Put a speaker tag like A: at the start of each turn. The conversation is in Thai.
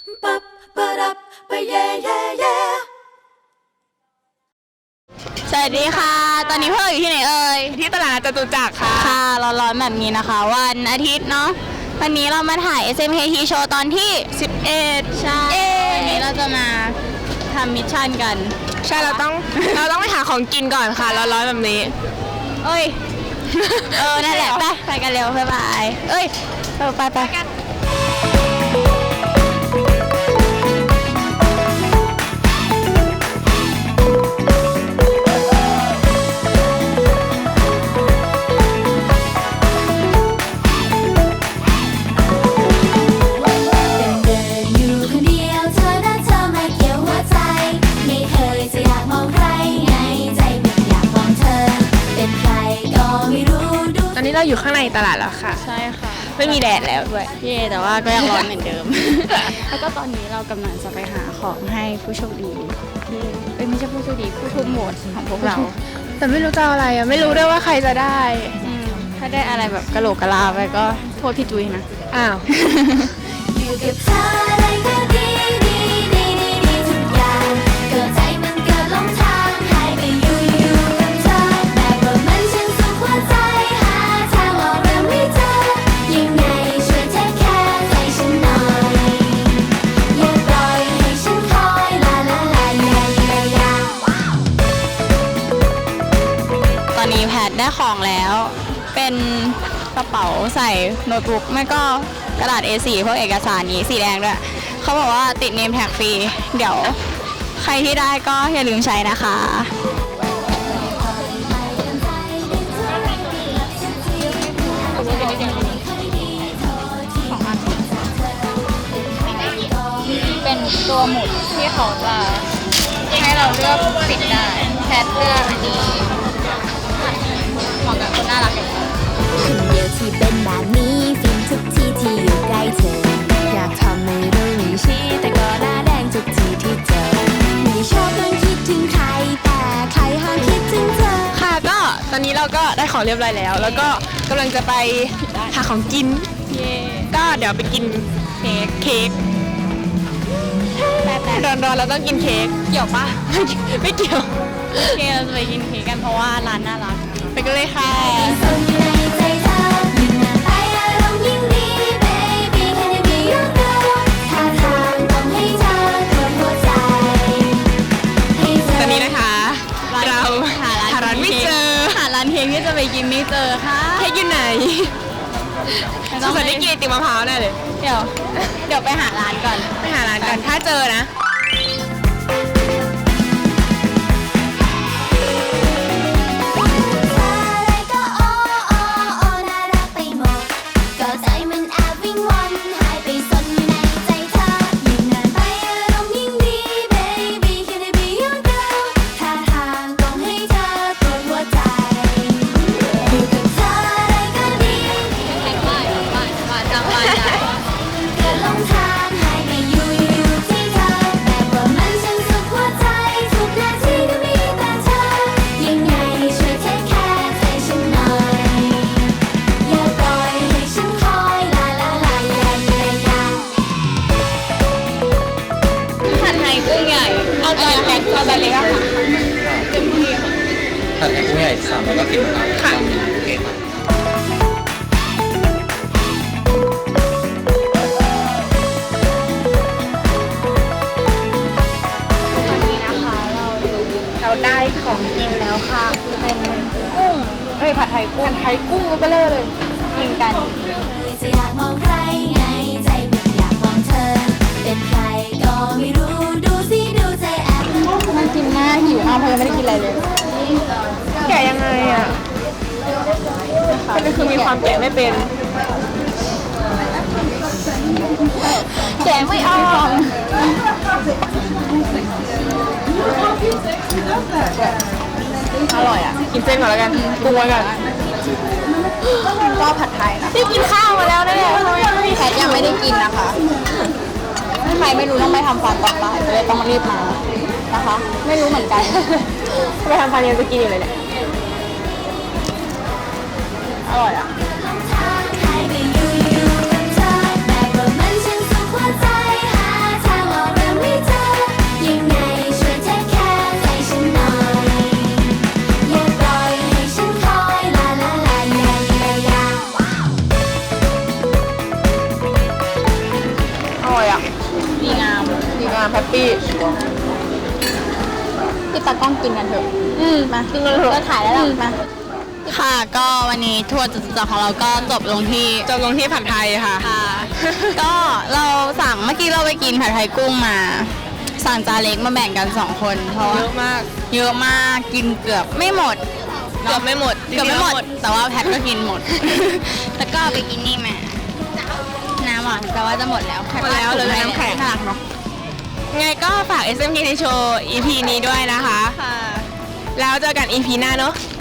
A: สวัสดีค่ะตอนนี้พวกเราอยู่ที่ไหนเอ่ย
B: ที่ตลาดจตุจักรค่ะ
A: ค่ะร้อนๆแบบนี้นะคะวันอาทิตย์เนาะวันนี้เรามาถ่าย SMKT Show ตอนที่11ใช่วันนี้เราจะมาทำมิชชั่นกัน
B: ใช่เราต้องไปหาของกินก่อนค่ะร้อนๆแบบนี้
A: เอ้ยนั่นแหละไปกันเร็วบ๊ายบายเอ้ยไป
B: ตอนนี้เราอยู่ข้างในตลาดแล้วค่ะ
A: ใช่ค่ะ
B: ไม่มีแดดแล้วด้วย
A: แต่ว่าก็ยังร้อนเหมือนเดิม แล้วก็ตอนนี้เรากำลังจะไปหาของให้ผู้โชคดีที่ไม่ใช่ผู้โชคดีผู้ทุ่มโหวตของพวกเรา
B: แต่ไม่รู้จะอะไรอ่ะไม่รู้ด้วยว่าใครจะได้
A: ถ้าได้อะไรแบบกะโหลกกะลาไปก็โทษพี่จุ้ยนะ
B: อ้าว
C: อยู่กับเธออะไรก็ดีทุกอย่างเกิดใจมันเกิดหลงทางให้ไปอยู่กับเธอแบบว่ามันฉันสุขหัวใจหาทางออกเรื่องไม่เจอยังไงช่วยเทคแคร์ใจฉันหน่อยอย่าปล่อยให้ฉันคอยลา
A: ตอนนี้แพทได้ของแล้วเป็นกระเป๋าใส่โน้ตบุ๊กไม่ก็กระดาษ A4 พวกเอกสารนี้สีแดงด้วยเขาบอกว่าติดเนมแท็กฟรีเดี๋ยวใครที่ได้ก็อย่าลืมใช้นะคะเป็นตัวหมุดที่เขาจะให้เราเลือกติดได้แพทเลือกอันนี้เหมาะกับคนน่ารักอย่างเรา
C: คนเดียวที่เป็นแบบนี้ฟินทุกทีที่อยู่ใกล้เธออยากทำให้รู้ไม่ชี้แต่ก็หน้าแดงทุกทีที่เจอไม่ชอบต้องคิดถึงใครแต่ใครห้ามคิดถึงเธอ
B: ค่ะก็ตอนนี้เราก็ได้ของเรียบร้อยแล้วแล้วก็กำลังจะไปหาของกินก็เดี๋ยวไปกินเค้กร้อนๆเราต้องกินเค้กเกี่ยวปะไม่เกี่ยว
A: โอเคเราจะไปกินเค้กกันเพราะว่าร้านน่ารัก
B: ไปกันเลยค่ะตอนนี้นะคะเราหาร้านไม่เจอ
A: หาร้านเค้กที่จะไปกินไม่เจอค่ะ
B: เค้กอยู่ไหนสงสัยได้กินไอติมมะพร้าวแน่เลย
A: เดี๋ยวไปหาร้านก่อน
B: ถ้าเจอนะเอาไปเลยค่ะ
D: เต็มที่ค่ะผัดไทยกุ้งใหญ่3แล้วก็กินค่ะโอเคค่ะ
A: วันนี้นะคะเราได้ของกินแล้วค่ะเป็นกุ้งผัดไทยกุ้งไปเลยกินกัน
C: จะอยากมองใครไงใจมันอยากมองเธอเป็นใครก็ไม่รู้ดูใจแอบ
A: น่ากินมากหิวมากเพราะยังไม่ได้กินอะไรเลย
B: แกะยังไงอ่ะคือมีความแกะไม่เป็น
A: แกะไม่ออกอร่อยอ่ะ
B: กินเส้นก่อนแล้วกันปรุงไว้ก่อน
A: ก็ผัดไทยนะ
B: ได้กินข้าวมาแล้วนะเนี่ย
A: แพทยังไม่ได้กินนะคะใครไม่รู้ต้องไปทำฟันต่อไปเลยต้องรีบมานะคะไม่รู้เหมือนกัน
B: ไปทำฟันยังจะกินอยู่เลยเนี่ย
A: อร่อยอ่ะ
C: ให้ไปอยู่กับเธอแบบว่ามันฉันสุขหัวใจหา
B: อยอ่ะ
A: ดีงาม
B: ดีงามแฮปปี้
A: พี่ตากล้องกินกันเถอะ
B: มากินกันเถอะ
A: ก็ถ่ายแล้วล่ะมาค่ะก็วันนี้ทัวร์จตุจักรของเราก็จบลงที่
B: จบลงที่ผัดไทยค่ะ
A: ค่ะ ก็เราสั่งเมื่อกี้เราไปกินผัดไทยกุ้งมา สั่งจานเล็กมาแบ่งกัน2คนเพราะ
B: เย
A: ว่า
B: อะมาก
A: เยอะมากกินเกือบไม่หมด
B: เกือบไม่หมด
A: เกือบไม่หมด แต่ว่าแพทก็กินหมด แล้วก็ไปกินนี่มาน้ำหวานแต่ว่าจะหมดแล้ว
B: หมดแล้วเหลือน้ำแข็ง
A: น่ารักเนาะ
B: ไงก็ฝาก SMK ในโชว์ EP นี้ด้วยนะคะ
A: ค่ะ
B: แล้วเจอกัน EP หน้าเนอะ